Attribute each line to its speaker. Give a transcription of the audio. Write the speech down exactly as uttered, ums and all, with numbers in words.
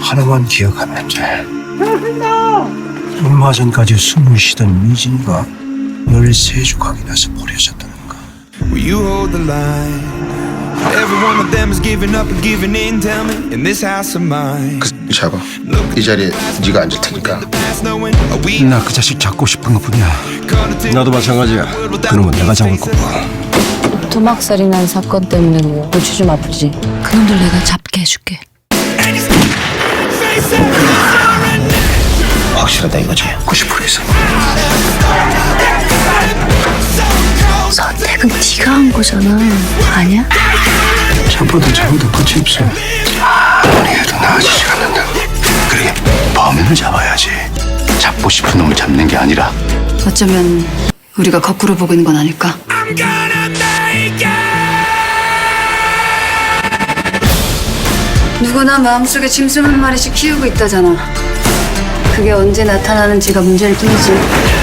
Speaker 1: 하나만 기억하면 돼. 얼마 전까지 숨을 쉬던 미진이가 열세 조각이 나서 버려졌다는 거.
Speaker 2: Will you hold the line? Every one of them is giving up and giving in. Tell me, in this house of mine.
Speaker 3: 그 잡아. 이 자리에 네가 앉을 테니까.
Speaker 1: 나 그 자식 잡고 싶은 것뿐이야. 나도 마찬가지야. 그놈은 내가 잡을 거고.
Speaker 4: 토막살이 난 사건 때문에 골치 좀 아프지. 그놈들 내가 잡게 해줄게.
Speaker 1: 확실하다 이거지. 구십 퍼센트 이상.
Speaker 4: 선택은 네가 한 거잖아. 아니야?
Speaker 1: 잡아도 잡아도 끝이 없어. 아무리 해도 나아지지 않는다. 그래, 범인을 잡아야지. 잡고 싶은 놈을 잡는 게 아니라.
Speaker 4: 어쩌면 우리가 거꾸로 보고 있는 건 아닐까? 누구나 마음속에 짐승 한 마리씩 키우고 있다잖아. 그게 언제 나타나는지가 문제일 뿐이지.